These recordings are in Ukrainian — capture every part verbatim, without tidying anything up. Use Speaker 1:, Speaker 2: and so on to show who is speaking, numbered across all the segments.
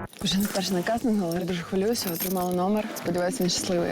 Speaker 1: Вже не перший на кастингу, але я дуже хвилююся, отримала номер. Сподіваюся, він щасливий.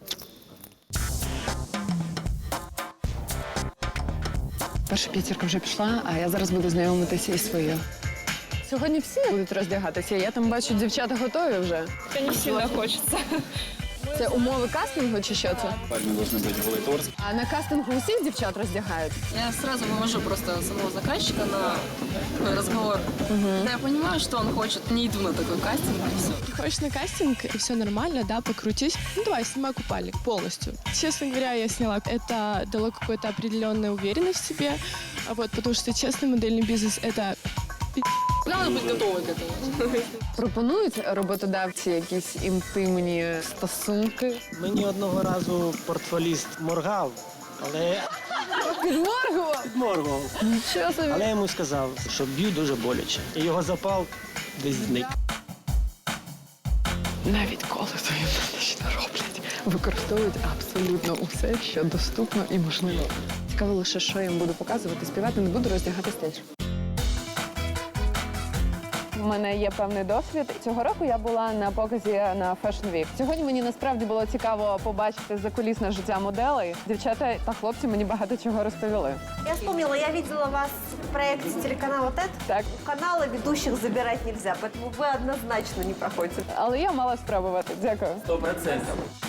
Speaker 1: Перша п'ятірка вже пішла, а я зараз буду знайомитися із своєю. Сьогодні всі будуть роздягатися. Я там бачу, дівчата готові вже.
Speaker 2: Это не сильно хочется.
Speaker 1: Це умови кастингу чи що це?
Speaker 3: Парни должны быть голый торс.
Speaker 1: А на кастингу усіх дівчат роздягають?
Speaker 2: Я сразу вывожу просто самого заказчика на такой разговор. Когда я понимаю, что он хочет, не иду на такой кастинг и все.
Speaker 4: Приходишь на кастинг, и все нормально, да, покрутись. Ну, давай, снимай купальник полностью. Честно говоря, я сняла. Это дало какой-то определенной уверенность в себе, а вот, потому что честный модельный бизнес – это
Speaker 2: Надо быть готовой к этому.
Speaker 1: Пропонують роботодавці якісь інтимні стосунки?
Speaker 5: Мені одного разу портфоліст моргав, але
Speaker 1: Підморгував?
Speaker 5: моргав.
Speaker 1: Нічого собі.
Speaker 5: Але я йому сказав, що б'ю дуже боляче. І його запал десь зник.
Speaker 1: Навіть коли то їм не роблять, використовують абсолютно усе, що доступно і можливо. Цікаво лише, що я їм буду показувати, співати не буду, роздягатись теж. У мене є певний досвід. Цього року я була на показі на Fashion Week. Сьогодні мені насправді було цікаво побачити закулісне життя моделей. Дівчата та хлопці мені багато чого розповіли.
Speaker 6: Я вспомнила, я видела вас в проекте телеканала ТЭД.
Speaker 1: Так.
Speaker 6: У канала ведущих забирать нельзя, поэтому вы однозначно не проходите.
Speaker 1: Але я мала спробувати. Дякую.
Speaker 3: Сто процентов.